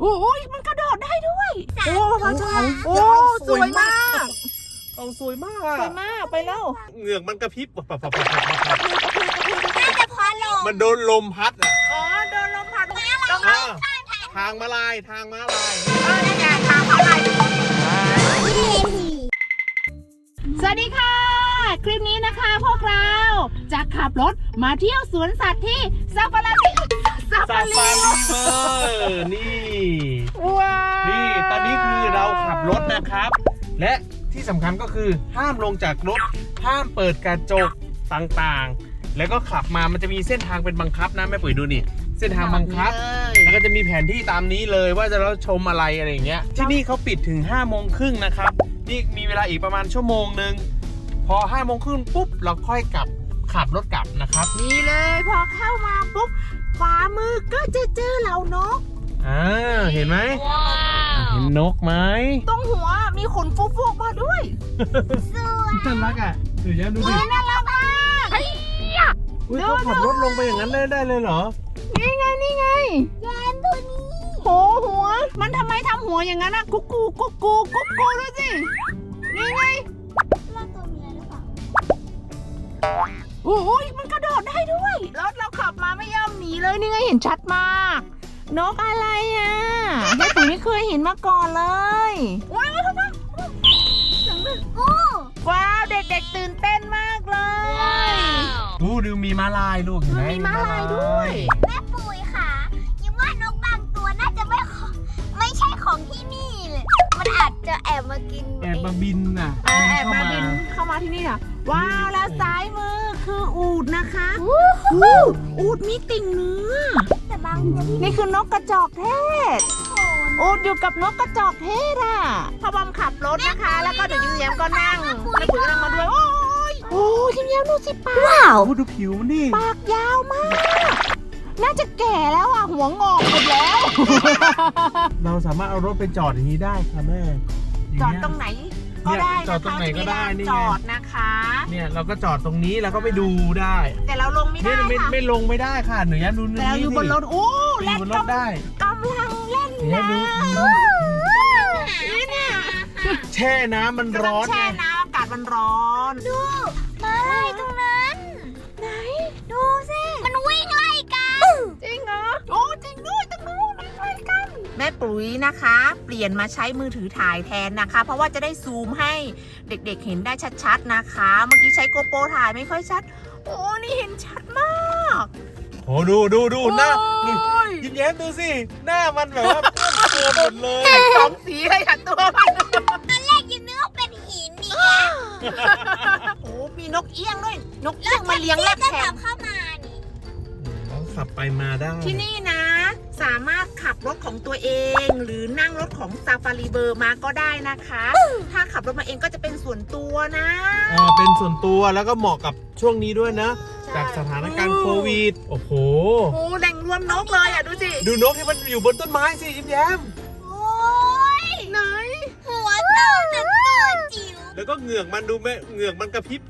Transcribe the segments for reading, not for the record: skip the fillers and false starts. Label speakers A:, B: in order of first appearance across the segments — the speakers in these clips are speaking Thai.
A: โอ้ยมันกระโดดได้ด้วยโอ้พระเจ้าโอ้สวยมาก
B: เอาสวยมาก
A: สวยมากไปแล้ว
B: เหงือกมันกระพริบ
C: น่าจะพอลม
B: มันโดนลมพัดอ่ะ
A: อ๋อโดนลมพัด
B: ทางม้าลาย
A: นี่ไงทางม้าลายสวัสดีค่ะคลิปนี้นะคะพวกเราจะขับรถมาเที่ยวสวนสัตว์ที่ซาฟารี
B: นี่
A: ว้าว
B: นี่ตอนนี้คือเราขับรถนะครับและที่สำคัญก็คือห้ามลงจากรถห้ามเปิดกระจกต่างๆแล้วก็ขับมามันจะมีเส้นทางเป็นบังคับนะแม่ปุ๋ยดูนี่เส้นทางบังคับแล้วก็จะมีแผนที่ตามนี้เลยว่าจะเราชมอะไรอย่างเงี้ยที่นี่เขาปิดถึง5:30นะครับนี่มีเวลาอีกประมาณชั่วโมงนึงพอ5:30ปุ๊บเราค่อยขับรถกลับนะครับ
A: นี่เลยพอเข้ามาปุ๊บขวามือก็จะเจอเหล่านก
B: เห็นไหมเห็นนกไหม
A: ตรงหัวมีขนฟุกๆมาด้วย
B: น่ารักอ่ะดูยังดูดิ
A: น่ารักมาก
B: เขาขับรถลงไปอย่างนั้นได้เลยเหรอ
A: นี่ไง
C: แยมตัวนี้
A: หัวมันทำไมทำหัวอย่างนั้นอะกุ๊กกูดูสินี่ไง
C: เราตัวเมียหรือเปล่า
A: โอ้ยมันกระโดดได้ด้วยรถเราขับมาไม่ยอมหนีเลยนี่ไงเห็นชัดมากนกอะไรอ่ะแม่ปุ๋ยไม่เคยเห็นมาก่อนเลยว้าวเด็กๆตื่นเต้นมากเลย
B: ดูมีม้าลายลูกเห็นไหม
A: มีม้าลายด้วย
C: แม่ปุ๋ยค่ะยังว่านกบางตัวน่าจะไม่ใช่ของที่นี่เลยมันอาจจะแอบมากิน
B: แอบมาบินน่ะ
A: แอบมาบินเข้ามาที่นี่ค่ะว้าวแล้วซ้ายมือคืออูฐนะคะอูฐมีติ่งเนื้อ
C: แต่บางตัว
A: นี่คือนกกระจอกเทศอูฐอยู่กับนกกระจอกเทศอ่ะพ่อบอมขับรถนะคะแล้วก็เดี๋ยวยิ้มแย้มก็นั่งแม่ปุ๋ยกำลังมาด้วยโอ้ยยิ้มแย้มดูสิปาก
C: ว้าว
B: ดูผิวมันดิ
A: ปากยาวมากน่าจะแก่แล้วอ่ะหัวงอกหมดแล้ว
B: เราสามารถเอารถไปจอดอย่างนี้ได้ค่ะแม่
A: จอดตรงไหนก็ได้
B: จอดตรงไหนก็ได้นี่
A: จอดนะคะ
B: เนี่ยเราก็จอดตรงนี้แล้วก็ไปดูได้
A: แต่เราลงไม่ได้ค่ะ
B: ไม่ลงไม่ได้ค่ะหนูยันดู
A: แต่เราอยู่บนรถ
B: เล่นบนรถได้
A: กำลังเล่นน้ำนี่เนี่ย
B: แช่น้ำมันร้อน
A: แช่น้ำอากาศมันร้อน
C: ดูมาไล่ตรงนั้น
A: ไหน
C: ดูสิมันวิ่งไล่กัน
A: จริงเหรอโอ้จริงด้วยตรงนู้นไล่กันแม่ปุ๋ยนะคะเปลี่ยนมาใช้มือถือถ่ายแทนนะคะเพราะว่าจะได้ซูมให้เด็กๆเห็นได้ชัดๆนะคะเมื่อกี้ใช้โกโปรถ่ายไม่ค่อยชัดโอ้นี่เห็นชัดมาก
B: โอ้ดูหน้ายิ้มแย้มดูสิหน้ามันแบบว่าตัวหมดเลย
A: สองสีเลยค่ะตัวมัน
C: ตอนแรกยิ้มนึกว่าเป็นหินนี่ไง
A: โอ้มีนกเอี้ยงด้วยนกเอี้ยงมาเลี้ยงแลกแถม
C: เข้ามานี่
B: ขับไปมาได้
A: ที่นี่นะสามารถขับรถของตัวเองหรือนั่งรถของซาฟารีเบอร์มาก็ได้นะคะถ้าขับรถมาเองก็จะเป็นส่วนตัวนะ
B: เป็นส่วนตัวแล้วก็เหมาะกับช่วงนี้ด้วยนะจากสถานการณ์โควิดโอ้โห
A: แหล่งรวมนกเลยอ่ะดูสิ
B: ดูนกที่มันอยู่บนต้นไม้สิยิ้มแย้ม
C: โอ้ย
A: ไหน
C: หัวโตแต่ตัวจิ๋ว
B: แล้วก็เหงือกมันดูแม่เหงือกมันกระพริบ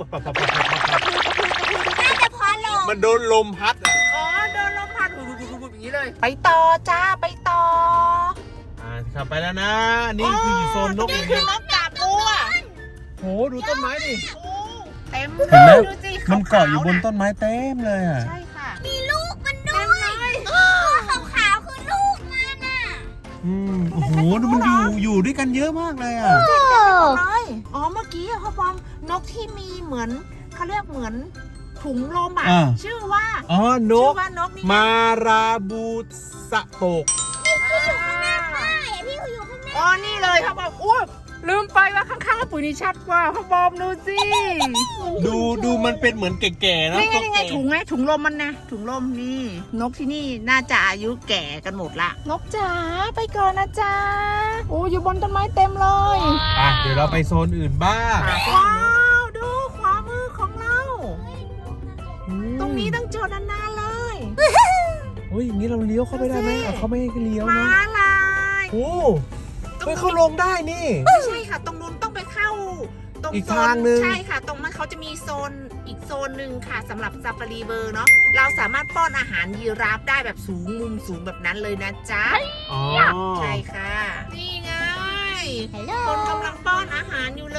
C: น่าจะพอลม
B: มันโดนลมพัดอ่ะ
A: โดนลมพัดอย่างนี้เลยไปต่อจ้าไปต่อ
B: ขับไปแล้วนะนี่คือโซนนก
A: นี่คือนกกาบบัว
B: โหดูต้นไม้ดิ
A: เต็ม
B: เลยดูสิมันเกาะอยู่บนต้นไม้เต็มเลยอ่ะ
A: ใช่ค่ะ
C: มีลูกมันด้วยตัวขาวๆคือลูกมันอ่ะ
B: โอ้โหดูมันอยู่ด้วยกันเยอะมากเลยอ่ะ
A: อ๋อเมื่อกี้พ่อบอมนกที่มีเหมือนเขาเรียกเหมือนถุงลมอ่ะชื่อว่าน
B: กมาราบูสะโตก
C: พี่อยู่ข้างหน้าป้ายพี่อยู่ข้างหน้า
A: นี่เลยพ่อบอมอุ้ยลืมไปว่าข้างๆปุ๋ยนี่ชัดกว่าพ่อบอมดูสิ
B: ดูมันเป็นเหมือนแก่ๆนะ
A: นี่ไงถุงลมมันนะถุงลมนี่นกที่นี่น่าจะอายุแก่กันหมดละนกจ๋าไปก่อนนะจ๊ะโอ้อยู่บนต้นไม้เต็มเลย
B: เดี๋ยวเราไปโซนอื่นบ้าง
A: ว้าวดูขวามือของเราตรงนี้ต้องจอดนานๆเลย
B: อย่างนี้เราเลี้ยวเข้าไปได้ไหมเขาไม่ให้เลี้ยวนะ
A: ม้าลาย
B: เขาลงได้นี่
A: ไม่ใช่ค่ะตรงนู้นต้องไปเข้าตรง
B: อีกทางนึง
A: ใช่ค่ะตรงนั้นเขาจะมีโซนอีกโซนหนึ่งค่ะสำหรับซาฟารีเวิร์เนาะเราสามารถป้อนอาหารยีราฟได้แบบสูงมุมสูงแบบนั้นเลยนะจ๊ะ
B: อ๋อ
A: ใช่ค่ะ นี่ไง
C: ฮัลโหล
A: คนกำลังป้อนอาหารอยู่เลย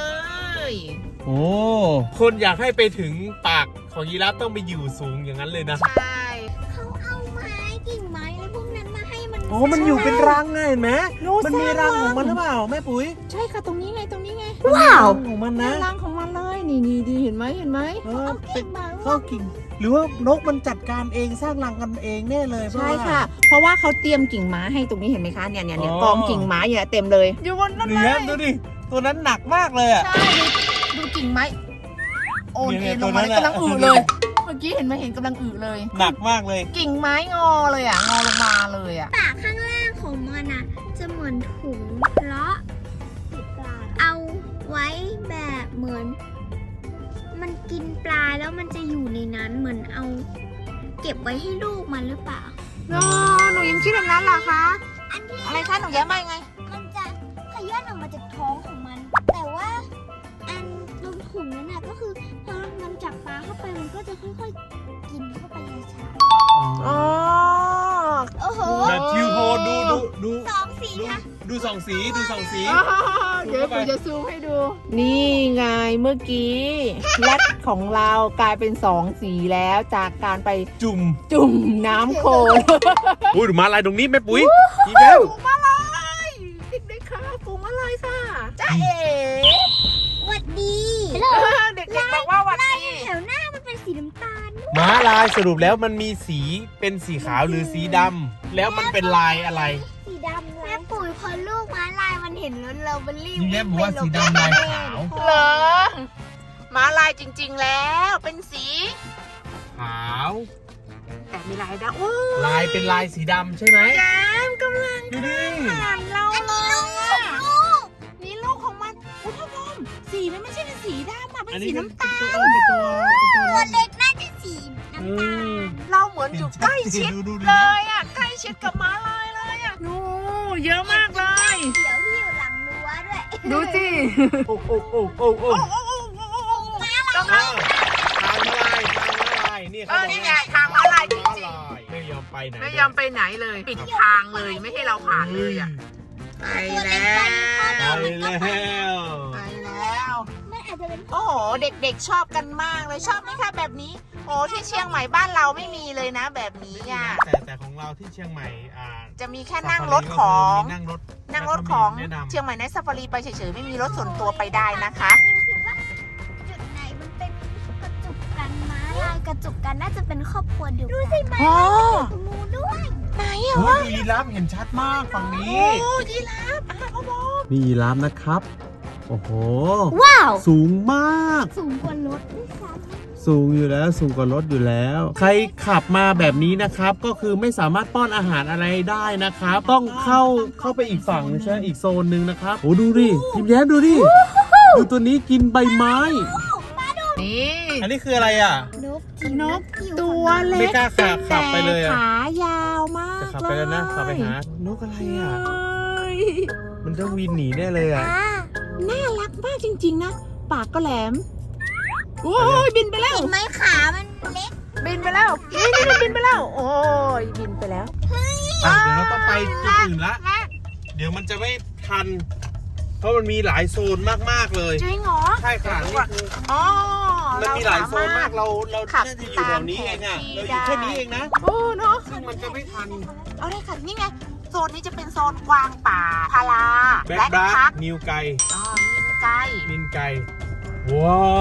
B: โอ้คนอยากให้ไปถึงปากของยีราฟต้องไปอยู่สูงอย่างนั้นเลยนะ
A: ใช่
C: เขาเอาไม้กิ่งไม้อะไรพวกนั้นมาให้มัน
B: โอ้มันอยู่เป็นรังไงเห็นไหมมันมีรังของมันหรือเปล่าแม่ปุ๋ย
A: ใช่ค่ะตรงนี้ไงตรงนี้ไง
B: ว้าวของมันนะ
A: รังของมันเลยนี่ดีเห็นไหม
B: เออ
C: กิ่งไม้
B: ข้าวกิ่ง หรือว่านกมันจัดการเองสร้างรังกันเองแน่เลย
A: ใช่ค่ะ เพราะว่าเขาเตรียมกิ่งไม้ให้ตรงนี้เห็นไหมคะเนี่ยกองกิ่งไม้เนี่ยเต็มเลยอยู่บนนั้น
B: ดู
A: เล
B: นะ
A: ย
B: ดูดิตัวนั้นหนักมากเลยอ่ะ
A: ใช่ดูกิ่งไม้โอน
B: เนี่
A: เอ็
B: ย
A: นลงมา
B: ตัวนั้น
A: กำลัง
B: อะ
A: อือเลย เมื่อกี้เห็นไหมเห็นกำลังอือเลย
B: หนักมากเลย
A: กิ่งไม้งอเลยอ่ะงอลงมาเลยอ่ะ
C: ปากข้างล่างของมันอ่ะ จะเหมือนถุงเพราะเอาไว้แบบเหมือน มันกินปลาแล้วมันจะอยู่ในนั้นเหมือนเอา เก็บไว้ให้ลูกมันหรือเปล่า
A: หนูยังคิดแบบนั้นเหรอคะ
C: อันที่
A: อะไรคะหนูแย้มไปไง
C: มันจะขย้อนออกมาจากท้องของมัน แต่ว่าอันตรงถุงนั้นน่ะก็คือพอมันจับปลาเข้าไปมันก็จะค่อยๆกินเข้าไปช้า
A: อ๋อ
C: ๆโอ้โห
B: แบบทิวโทนดู
C: สองสีค่ะ
B: ดูสองสีดูสองสี
A: เดี๋ยวผมจะซูมให้ดู นี่ไงเมื่อกี้แรดของเรากลายเป็น2สีแล้วจากการไป
B: จุ่ม
A: จุ่มน้ำโคลน
B: อุ้ยดูมาลายตรงนี้แม่ปุ๋ยอีกแล้ว
A: ฝูงมาลายเด็กๆค่ะฝูงมาลายค่ะจ้าเอ๋
C: หวัดดี
A: เด็กๆบอกว่าวันนี้
C: แถวหน้ามันเป็นสีน้ำตาล
B: ม้าลายสรุปแล้วมันมีสีเป็นสีขาวหรือสีดำแล้วมันเป็นลายอะไร
C: สีดำแม่ปุ๋ยพอลูกม้าลายมันเห็นรถเรามันรีบ
B: นี่แม่บอกว่าสีดำลายขาว
A: เหรอม้าลายจริงๆแล้วเป็นสี
B: ขาว
A: แต่มีลายดำโอ้
B: ลายเป็นลายสีดำใช่ไหม
A: แย้มกำลัง
B: ดูดิ
A: ผ่านเราเลยอะนี่ลูกของมันอุทพมสีมันไม่ใช่เป็นสีดำอะเป็นสีน้ำตาล
B: เป็นตัว
C: ตัวเล็กน่าจะสีน้ำตาล
A: เราเหมือนอยู่ใกล้ชิด
B: ดู
A: เลยอ่ะใกล้ชิดกับม้าลายเลยอ่ะโอ้เยอะมากเลย
C: เดี๋ยวที่อยู่หลังรั้วด้วย
A: ดูสิ
B: โอ้โอ้โอ้โอ้โอ้
A: กำลัง
B: ทางม้าลายนี่เขาบอก
A: นี่ไงทางม้าลายจริง
B: ไม่ยอมไปไหน
A: ๆไม่ยอมไปไหนเลย ปิดทางเลยไม่ให้เราผ่านเลยอ่ะไปแล้ว
B: ไปแล้ว
A: ไปแล้ว
C: มันอาจจะเป็น
A: โอ้โหเด็กๆชอบกันมากเลยชอบไหมคะแบบนี้โอ้ที่เชียงใหม่บ้านเราไม่มีเลยนะ แบบนี้อ่ะ
B: แต่ของเราที่เชียงใหม่
A: จะมีแค่นั่งรถของ
B: นั่งรถ
A: นั่งรถของ
B: แนะนำ
A: เชียงใหม่ในซาฟารีไปเฉยๆไม่มีรถส่วนตัวไปได้นะคะ
C: คิดว่าจุดไหนมันเป็นกระจุกกันม้าลายกระจุกกันน่าจะเป็นครอบครัวเดียวกันดูสิม้า
A: อ๋อ
C: ตรงนู้นด้วย
A: ไหนอะ
B: โอ้
A: วะ
B: ยยีราฟเห็นชัดมากฝั่งนี้
A: โอ้ยีราฟอ่ะพ่อบอก
B: นี่ยีราฟนะครับ โอ้โห
C: ว้าว
B: สูงมาก
C: สูงกว่ารถด้วยซ้
B: สูงอยู่แล้วสูงกว่ารถอยู่แล้ว ใครขับมาแบบนี้นะครับ ก็คือไม่สามารถป้อนอาหารอะไรได้นะครับ ต้องเข้าไปอีกฝั่งใช่ไหมอีกโซนหนึ่งนะครับโอ้ดูดิยิ้มแย้มดูดิดูตัวนี้กินใบไม้
A: นี่
B: อันนี้คืออะไรอ่ะ
C: ำนก
A: นกตัวเล็ก
B: ไม่กล้าขับไปเลยอะ
A: แต่ขายาวมาก
B: จะขับไปแล้วนะขับไปหานกอะไรอ่ะ
A: เฮ้ย
B: มันจะวินหนีแน่เลยอ่ะ
A: น่ารักมากจริงๆนะ ปากก็แหลม โอ้ยบินไปแล้ว
C: เห็นไหมขามันเล็ก
A: บินไปแล้วนี่บินไปแล้ว โอ้ยบินไปแล้ว
B: เดี๋ยวเราต้องไปจุดอื่นละ เดี๋ยวมันจะไม่ทัน เพราะมันมีหลายโซนมากๆเลย
A: จริงเหรอ
B: ใช่ค่ะนี่คือ
A: อ๋อ
B: มันมีหลายโซนมาก
A: เรา
B: เรา
A: ขับ
B: น่าจะอยู่แถวนี้เองอ่ะ
A: ตามแผนที่
B: เราอยู่แค่นี้เองนะ
A: โอ้เนาะ
B: ซึ่งมันจะไม่ทัน
A: เอาได้ค่ะนี่ไง โซนนี้จะเป็นโซนกวางป่าพารา
B: แบ็ค
A: และ
B: บลั
A: พั
B: ก
A: ก
B: นิวไก่
A: อ๋อมินไก่
B: มินไก่ ว้าว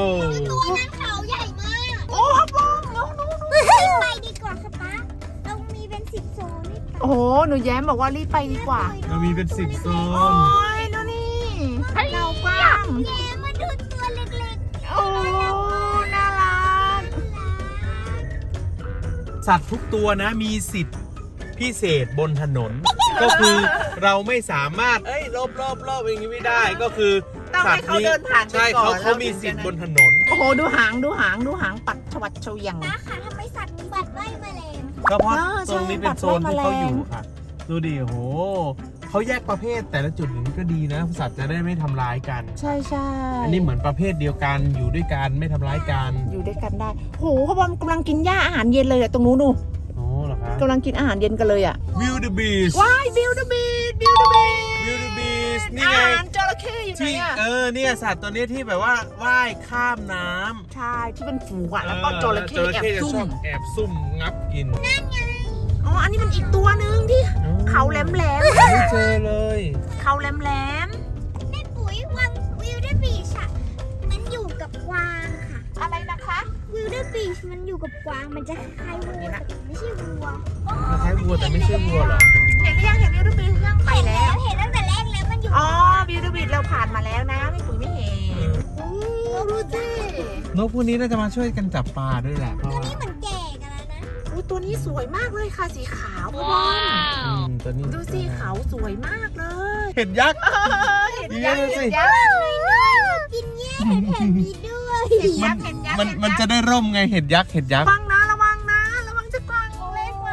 C: ตัวนั้นเขาใหญ่มาก
A: โอ้ฮับบ้องน้อง
C: ไปดีกว่าค่ะป๊าเรามีเป็น10 โซนนี่
A: โอ้โห หนูแย้มบอกว่ารีบไปดีกว่า
B: เรามีเป็น10 โซ
A: โอ้
B: น
A: ยดูนี่เรากว้าง
C: แย่มาดูตัวเล็ก
A: โอ้น่ารัก
B: สัตว์ทุกตัวนะมีสิทธิ์พิเศษบนถนน ก็คือเราไม่สามารถรอบอย่างนี้ไม่ได้ก็คือ
A: ต้องให้เขาเดินผ่านไป
B: ใช่
A: ก่อน
B: เขามีสิทธิ์บนถนน
A: โอ้โห ดูหางปัดชวัดเฉวียง
C: ๆนะค่ะทำไมสัตว์บัดไล่แมลง
B: ก็เพราะ
A: ใช่
B: ตรงนี้เป็นโซนที่เขาอยู่ค่ะ ดูดิโหเขาแยกประเภทแต่ละจุดอย่างนี้ก็ดีนะสัตว์จะได้ไม่ทำร้ายกัน
A: ใช่ใช่
B: อันนี้เหมือนประเภทเดียวกันอยู่ด้วยกันไม่ทำร้ายกัน
A: อยู่ด้วยกันได้โหเขาบอกกำลังกินหญ้าอาหารเย็นเลยอะตรงนู้นดู
B: อ๋อเหรอคะ
A: กำลังกินอาหารเย็นกันเลยอะ
B: วิวเดอะบีช
A: ว้ายบิวเดอะบีชบิวเดอะบีช
B: วิวเดอะบีชนี่
A: อา
B: ไง
A: หารจระเข้อยู่ไหน
B: ที่
A: อะ
B: เนี่ยสัตว์ตัวนี้ที่แบบว่าว่ายข้ามน้ำ
A: ใช่ที่เป็นฝูงอะแล้วก็จระเข้แอบ
B: จะ
A: ซุ่
B: ชอ
A: ม
B: บแอบซุ่มงับกิน
A: อ๋ออันนี้มันอีกตัวนึงที่เขาแหลม
B: ไม่เจอเลย
A: ๆเขาแหลม
C: แม่ปุ๋ยวังวิวเดอร์บีชอะมันอยู่กับกวางค่ะ
A: ๆอะไรนะคะ
C: วิวเดอร์บีชมันอยู่กับกวางมันจะคล้ายๆวัวแต่ไม่ใช่วัว
B: คล้ายวัวแต่ไม่ใช่วัวเหรอ
A: เห็นหรือยังเห็นบิวเดอะบีชยังไปแล้ว
C: เห็นตั้งแต่แรกแล้วมันอยู่
A: อ๋อบิวเดอะบีชเราผ่านมาแล้วนะไม่ปุ๋ยไม่เห็นโอ้ดูสิ
B: นกพวกนี้น่าจะมาช่วยกันจับปลาด้วยแหละเพราะว่า
C: นี่เหมือนแก่กันแล้วนะ
A: อุ๊ยตัวนี้สวยมากเลยค่ะสีขาวพ่อบอล
B: ตัวนี้
A: ดูสิเขาสวยมากเลย
B: เห็ดยักษ์
A: เห็น
B: ดี
A: ยักษ์
B: เลยสิ
A: เห็นยักษ์
C: กินแย่แผ่นนี้ด้วย
A: เห็นยักษ์เห็นยักษ์
B: มันจะได้ร่มไงเห็ดยักษ์
A: ระวังนะระวังนะระวังจะกวางเล็กมา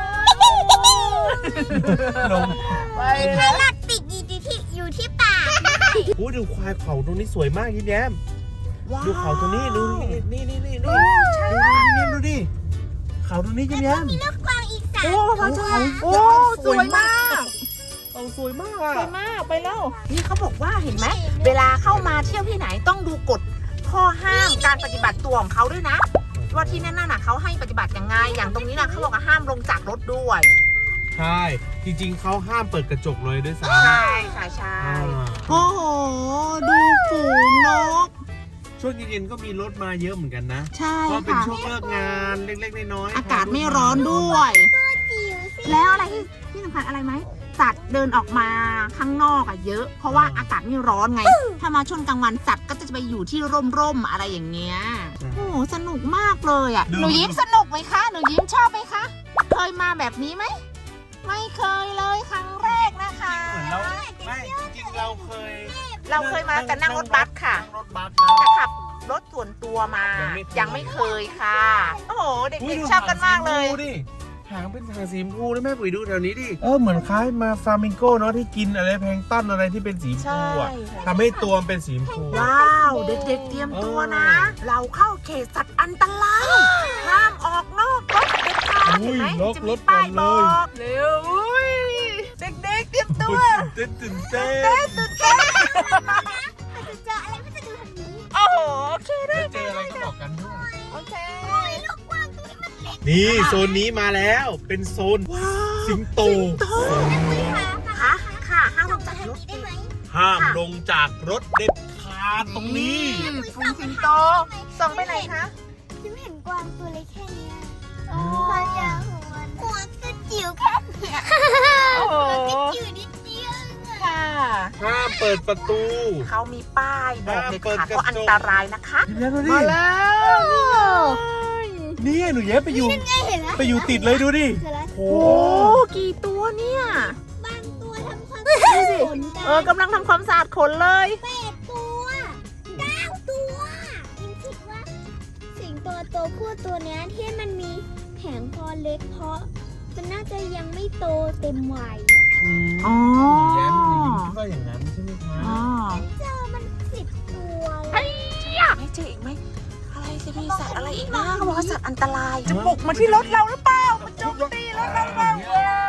B: ลง
A: ไป
C: ไพ
A: แล้ว
C: ลอตติดอยู่ที่ปาก
B: โอ้ดูควายเขาตรงนี้สวยมากยิ้มแย้ม
A: ว้าว
B: ดูเขาตัวนี้ดูนี่ดู
A: ใช่
B: ดู
A: ค่ะ
B: ยิ้มแย้มดูดิเขาตรงนี้ยิ้มแย้ม
C: มีลูกกวางอีก3
A: โอ้พระเจ้าโอ้สวยมาก
B: เขาสวยมาก
A: สวยมากไปแล้วนี่เขาบอกว่าเห็นไหมเวลาเข้ามาเที่ยวที่ไหนต้องดูกฎข้อห้ามการปฏิบัติตัวของเขาด้วยนะ ว่าที่นั่นน่ะเขาให้ปฏิบัติยังไง อย่างตรงนี้นะเขาบอกว่าห้ามลงจากรถด้วย
B: ใช่จริงๆเขาห้ามเปิดกระจกเลยด้วยซ้ำ
A: ใช่ค่ะใช่ โอ้โห ดูฝูงนก
B: ช่วงเย็นๆก็มีรถมาเยอะเหมือนกันนะ
A: ใช่
B: เพราะเป็น
A: ค่ะ
B: ช่วงเลิกงานเล็กๆน้อยๆ
A: อากาศไม่ร้อนด้วย
C: จิ๋วสิ
A: แล้วอะไรที่สำคัญอะไรไหมสัตว์เดินออกมาข้างนอกอะเยอะ เพราะว่าอากาศไม่ร้อนไง ถ้ามาช่วงกลางวันสัตว์ก็จะไปอยู่ที่ร่มๆอะไรอย่างเงี้ย โอ้โหสนุกมากเลยอะหนูยิ้มสนุกไหมคะหนูยิ้มชอบไหมคะเคยมาแบบนี้ไหมไม่เคยเลยครั้งแรกนะคะ
B: เหมือนเราไม่จริงๆเราเคย
A: เราเคยมาแต่นั่งรถบัสค่ะ
B: นั่งรถบัสนะ
A: แต่ขับรถส่วนตัวมา ยังไม่เคยค่ะ โอ้โห เด็กๆชอบกันมากเลย
B: ดูดิหางเป็นหางสีชมพูด้วยแม่ปุ๋ยดูแถวนี้ดิเหมือนคล้ายมาฟลามิงโก้เนาะที่กินอะไรแพลงก์ต้นอะไรที่เป็นสีชมพูอ่ะ
A: ใช่
B: ทำให้ตัวมันเป็นสีชมพู
A: ว้าว เด็กๆเตรียมตัวนะ เราเข้าเขตสัตว์อันตรายห้ามออกนอกรถเด็ดขาดเห็นไหม
B: ล็อก
A: จะ
B: ร
A: มี
B: ถก่
A: ป้า
B: อย น
A: บ
B: เล
A: อย กเร็วอุ้ยเด็กๆเตรียมตัว
B: ตื่นเต้น
A: ตื่นเต้น
C: ถ้าจะเจออะไรก็จะดูทางนี้
A: โอ้โหโอเคได้
B: แล้วเจออะไรก็บอกกันด้วย
A: โอเค
C: ลูกกวางตัวนี้มันเล็ก
B: นี่โซนนี้มาแล้วเป็นโซน
A: ว้าว
B: สิงโต
A: ค่ะค่ะห้ามลงจากรถ
C: ได้ไหม
B: ห้ามลงจากรถเด็ดขาดตรงนี้
A: ฝูงสิงโตส่งไปไหนคะ
C: ฉันเห็นกวางตัวเล็กแค่เนี้ย
A: อ๋อ
C: ความยาวของมันหัวก็จิ๋วแค่เนี้ย
A: โอ้โห
C: จิ๋วนิดเดียว
A: ค่ะ
B: ห้ามเปิดประตู
A: เขามีป้ายบอกเด็ดขาด
B: ห้ามเปิดกระจก
A: ว่าอันตรายนะคะ
B: ยิ้มแย้มดูดิ
A: มาแล้วนี่ไง
B: นี่หนูแย้มไปอยู่
C: ไงเห็นแล้ว
B: ไปอยู่ติดเลยดูดิ
C: เสร็จแล้ว
B: โอ้
A: โอ้กี่ตัวเนี่ย
C: บางตัวทำความ
A: ดูสิ
C: ขน
A: กำลังทำความสะอาดขนเลย
C: 8 ตัว9 ตัวยิ่งคิดว่า สิงโตตัวผู้ตัวเนี้ยที่มันมีแผงคอเล็กเพราะ มันน่าจะยังไม่โตเต็มวัยอะ
A: อ๋อ
B: หนูแย้มคิดว่าอย่างนั้นใช่ไหมคะ
A: อ๋อ
C: เจอมัน10 ตัวเลย
A: ไม่เจออีกไหมอะไรจะมีสัตว์อะไรอีกนะเขาบอกว่าสัตว์อันตราย จะบุกมาที่รถเราหรือเปล่ามันโจมตีรถเราเปล่า
C: ที่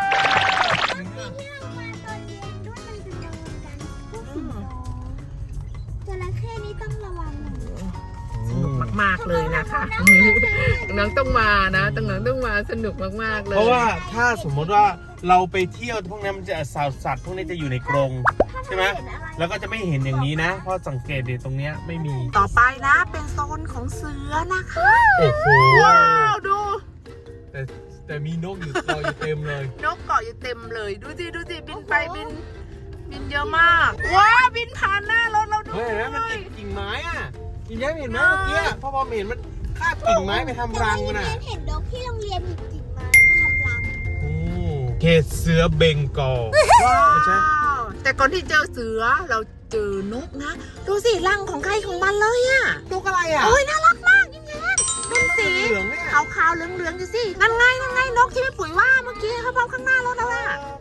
C: เรามาตอนเย็นด้วยมันจะเดินกันพวกสิงโตจระเข้นี่ต้องระวังหน่อย
A: สนุกมากๆเลยนะคะน้องต้องมานะต้องมาสนุกมากๆเลย
B: เพราะว่าถ้าสมมติว่าเราไปเที่ยวพวกนั้นมันจะสัตว์พวกนี้จะอยู่ในกรงใช่ไหมแล้วก็จะไม่เห็นอย่างนี้นะ เพราะสังเกตเดี๋ยวตรงเนี้ยไม่มี
A: ต่อไปนะเป็นโซนของเสือนะคะ
B: โอ้โห
A: ว้าวดู
B: แต่มีนกอยู่รออยู่เต็มเลย
A: นกเกาะอยู่เต็มเลยดูสิบินไปบินเยอะมากว้าวบินผ่านหน้ารถเราด้ว
B: เฮ้ย
A: ย
B: เห็นไหมมันติดกิ่งไม้อ่ะยิ้มแย้มเห็นไหมเมื่อกี้พ่อเห็นมันคาบกิ่งไม้ไปทำรังมันอ่ะ
C: เห็นนกที่โรงเรียนมีกิ่งไม้ทำรัง
B: เขตเสือเบงกอล
A: ว้า
B: ไม่ใช่
A: วแต่ก่อนที่เจอเสือเราเจอนกนะ ดูสิรังของใครของมันเลยอะ
B: นกอะไรอ่ะ
A: โอ้ยน่ารักมากยิ่งแย้มเป็นสี
B: เหลืองเนี่ย
A: ขาวๆเหลืองๆอยู่สินั่นไงนกที่แม่ปุ๋ยว่าเมื่อกี้เขาพร้อมข้างหน้ารถแล้วอะ
B: น่ารั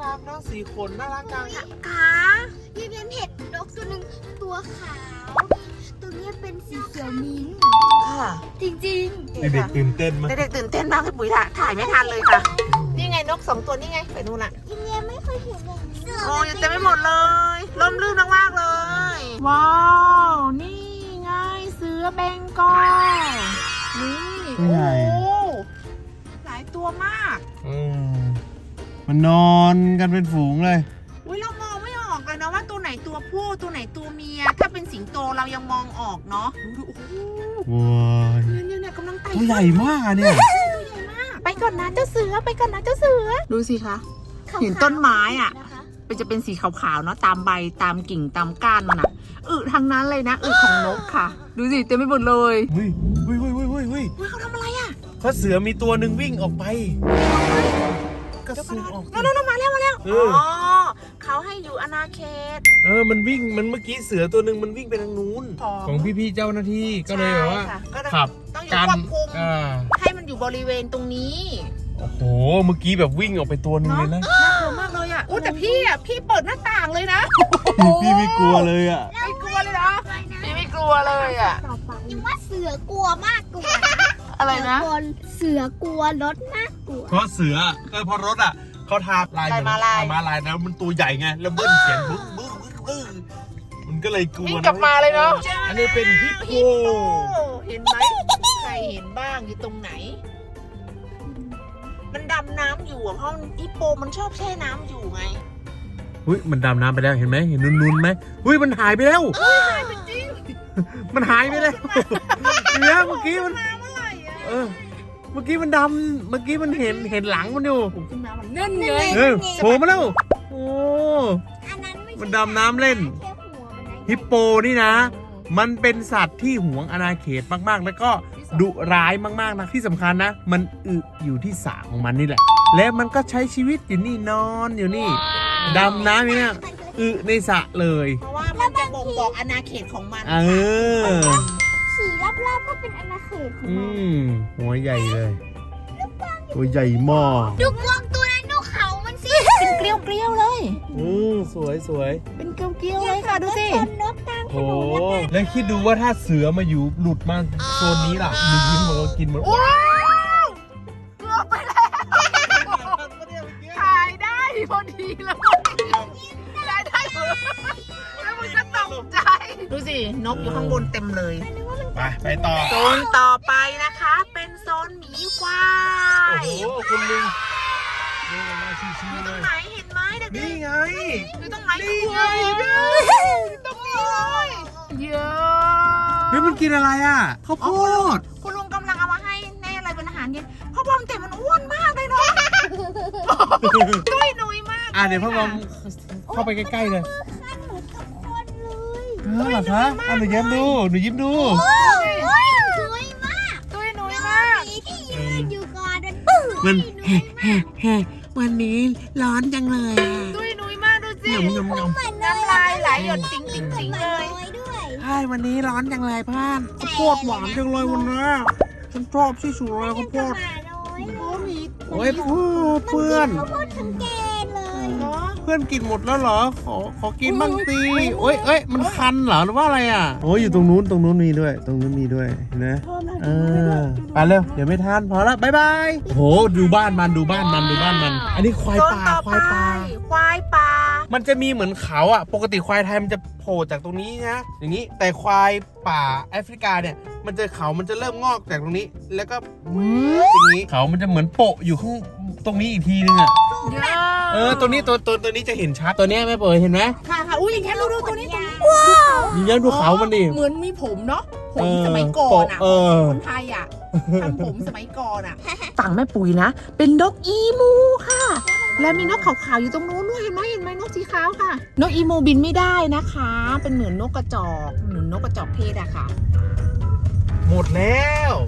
B: รักเนาะสีขนน่ารักจัง
A: ขา
C: ยังเห็นนกตัวหนึ่งตัวขาว ตัวนี้เป็นสีเขียวมิ้นท์
A: ค่ะ
C: จริง
B: เด็กๆตื่นเต้นมาก
A: เด็กๆตื่นเต้นมากพี่ปุ๋ยถ่ายไม่ทันเลยค่ะ นี่ไงนก2ตัวนี่ไงไปนู่นละ
C: ๆยังไม่เคยเห็นแบบนี้
A: โอ้ยเต็มไปหมดเลยล่มลื่นมากๆเลย ว้าว นี่ไงเสือเบงกอลนี่โอ้โหหลายตัวมาก
B: มันนอนกันเป็นฝูงเลย
A: อุ้ยเรามองไม่ออกเลยนะว่าตัวไหนตัวผู้ตัวไหนตัวเมีย ถ้าเป็นสิงโตเรายังมองออกเนาะดูโอ้โห
B: ว้าย
A: เนี่ยกำลังไต่
B: ตัวใหญ่มากอะเนี่ย
A: ตัวใหญ่มากไปก่อนนะเจ้าเสือไปก่อนนะเจ้าเสือดูสิคะ เห็นต้นไม้อะ
C: นะคะ
A: จะเป็นสีขาวๆเนาะตามใบตามกิ่งตามก้านมันอะทั้งนั้นเลยนะของนกค่ะ ดูสิเต็มไปหมดเลย
B: เฮ้ย
A: เขาทำอะไรอะ
B: เพราะเสือมีตัวหนึ่งวิ่งออกไปก็ซูมออก
A: นั่นมาแล้ว
B: เอ
A: อ๋
B: อ
A: อเขาให้อยู่อาณาเขต
B: มันวิ่งมันเมื่อกี้เสือตัวหนึ่งมันวิ่งไปทางนู้น ของพี่ๆเจ้าหน้าที่ก็เลยแบบว่า
A: ใช่ค่ะก็เลย
B: ขับ
A: ต้องอยู่
B: กัน
A: ควบคุม
B: า
A: ให้มันอยู่บริเวณตรงนี้
B: โอ้โหเมื่อกี้แบบวิ่งออกไปตัวหนึงเลยนะ
A: น่ากลัวมากเลยอ่ะแต่พี่เปิดหน้าต่างเลยนะ
B: พี่ไม่กลัวเลยอ่ะ
A: ไม่กลัวเลยนะพี่ไม่กลัวเลยอ่ะ
C: ยังว่าเสือกลัวมากกว่า
A: อะไรนะ
C: เสือกลัวรถมากกว่า
B: เพราะเสือพอรถอ่ะเขาทาลายเหมือนมาลายนะมันตัวใหญ่ไงแล้วเบิ้ลเสียงบึ้งมันก็เลยกลัว
A: วิ่งกลับมาเลยเนาะ
B: อันนี้เป็นฮิปโป
A: เห็นไหมใครเห็นบ้างอยู่ตรงไหน มันดำน้ำอยู่เพราะฮิปโปมันชอบแช่น้ำอยู่ไง
B: อุ้ยมันดำน้ำไปแล้วเห็นไหมเห็นนุนๆไหมอุ้ยมันหายไปแล้ว
A: จริง
B: มันหายไปแล้วเนี่ยเมื่อกี้มัน
A: มาเมื่อไหร่อ่ะ
B: เมื่อกี้มันดำเมื่อกี้มันเห็นหลังมันอยู่
A: ขึ้นมามันนั่นไง
B: โผล่มาแล้วโอ้
C: อันนั้นไม่ใช่
B: มันดำน้ำเล่น
C: แค่หัวมันนะ
B: ฮิปโปนี่นะ มันเป็นสัตว์ที่หวงอาณาเขตมากๆ แล้วก็ดุร้ายมากๆนะที่สำคัญนะ มันอยู่ที่สระของมันนี่แหละ และมันก็ใช้ชีวิตอยู่นี่นอนอยู่นี่ดำน้ำอยู่เนี่ยในสระเลย
A: เพราะว่ามันจะบ่งบอกอาณาเขตของมัน
C: ขี่รอบๆก็เป็นอาณาเขตของ
B: อื
C: มัน
B: มหัวใหญ่เลยตัวใหญ่มาก
C: ดูกวางตัวนั้นดูเขามันสิ
A: เป็นเกลียวๆเลย
B: สวย
A: เป็นเกลียวๆเลยค่ะดูสิ
C: ชนนกกลางถ
B: โอ้
C: นนแล้ว
B: แล้วคิดดูว่าถ้าเสือมาอยู่หลุดมาโซนนี้ล่ะหนูยิ้มมันก็กินหมด
A: ว้าวเกือบไปแล้วถ่ายได้พอดีเลยได้แล้วมันก็ตกใจดูสินกอยู่ข้างบนเต็มเลย
B: ไปต่อ
A: โซนต่อไปนะคะ เป็นโซนหมีควา
B: โอ้
A: ย
B: โหคุณลุงเดินมาชิว
A: อยู่
B: ๆ
A: ต
B: เล
A: รง
B: ย
A: ไหนเห็นไหมเด็ก
B: นี่ไง
A: ๆอยู่ตรงไหน
B: นี่ไง
A: ตรงนี้เลยเยอะ
B: เฮ้ยมันกินอะไรอ่ะข้าวโพด
A: คุณลุงกำลังเอามาให้แน่อะไรเป็นอาหารเย็นพ่อบอมแต่มันอ้วนมากเลยเนาะตุ้ยหนุยมาก
B: เดี๋ยวพ่อบอมเข้าไปใกล้ๆเลย
C: ขั้นหนูทุกคนเลย
B: เหรอคะหนูยิ้มดูหนูยิ้มดู
C: โอ้ยสวยมาก
A: ตุ้ยหนุยมาก
C: มีที่ยืนอยู่ก่อนนะ
B: มัน
D: วันนี้ร้อนจังเลยอ่ะ
A: ตุ้ยหนุยมากดูสิ
B: ยำ
A: น้ำลายไหลหยดติ๊งติ๊งติ๊งเลย
C: ด้วย
D: ใช่วันนี้ร้อนจังเลยพ่านข้าวโพดหวานจังเลยวันนี้ฉันชอบที่สุดเลยข้าวโพด
B: โอ้ยเพื่อน
C: ข้าวโพดทั้งแกนเลย
A: เนาะ
B: เพื่อนกินหมดแล้วเหรอ ขอกินบ้างสิเอ้ยมันคันเหรอหรือว่าอะไรอ่ะโอ้ยอยู่ตรงนู้นมีด้วย ตรงนู้นมีด้วยเห็นะไปเร็วเดี๋ยวไม่ทันพอละบ๊ายบายโหดูบ้านมัน อันนี้ควาย
A: โซน
B: ป่า
A: ต่อ
B: ควายป่า
A: ควายป่า
B: มันจะมีเหมือนเขาอ่ะ ปกติควายไทยมันจะโผล่จากตรงนี้นะ อย่างนี้ แต่ควายป่าแอฟริกาเนี่ย มันจะเขามันจะเริ่มงอกจากตรงนี้ แล้วก็อย่างนี้ เขามันจะเหมือนโปะอยู่ข้างตรงนี้อีกทีนึงอ่ะ
A: เยอะ
B: ตัวนี้ตัวนี้จะเห็นชัด ตัวเนี้ยแม่เปิดเห็นไหม
A: ค่ะอุ้ยอย่างแค่ดูตัวนี้
B: ยิงยันดูเขามันดิ
A: เหมือนมีผมเนาะผมสมัยก่อนอ่ะคนไทยอ่ะทำผมสมัยก่อนอ่ะฝั่งแม่ปุ๋ยนะเป็นนกอีมูค่ะ และมีนกขาวๆอยู่ตรงนู้นด้วยเห็นไหมนกสีขาวค่ะ นกอีมูบินไม่ได้นะคะ เป็นเหมือนนกกระจอกเพศอะค่ะ
B: หมดแล้ว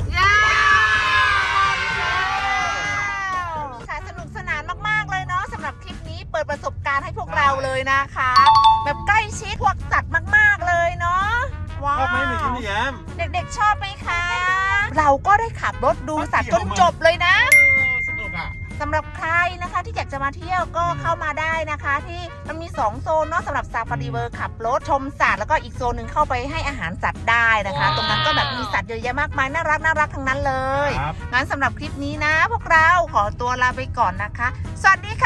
A: ค่ะสนุกสนานมากๆเลยเนาะสำหรับคลิปนี้เปิดประสบการณ์ให้พวกเราเลยนะคะ แบบใกล้ชิดพวกสัตว์มากๆเลยเนาะว้าว
B: ชอบไหมหนูยิ้ม
A: เด็กๆชอบไหมคะ เราก็ได้ขับรถดูสัตว์จนจบเลยนะ
B: สนุกอ่ะ
A: สำหรับหรับใครนะคะที่อยากจะมาเที่ยวก็เข้ามาได้นะคะ ที่มันมี2โซนเนาะสำหรับซาฟารีเวิร์ขับรถชมสัตว์แล้วก็อีกโซนหนึ่งเข้าไปให้อาหารสัตว์ได้นะคะ ตรงนั้นก็แบบมีสัตว์เยอะแยะมากมายน่ารักทั้งนั้นเลย
B: ครับ
A: งั้นสำหรับคลิปนี้นะ พวกเราขอตัวลาไปก่อนนะคะ สวัสดีค่ะ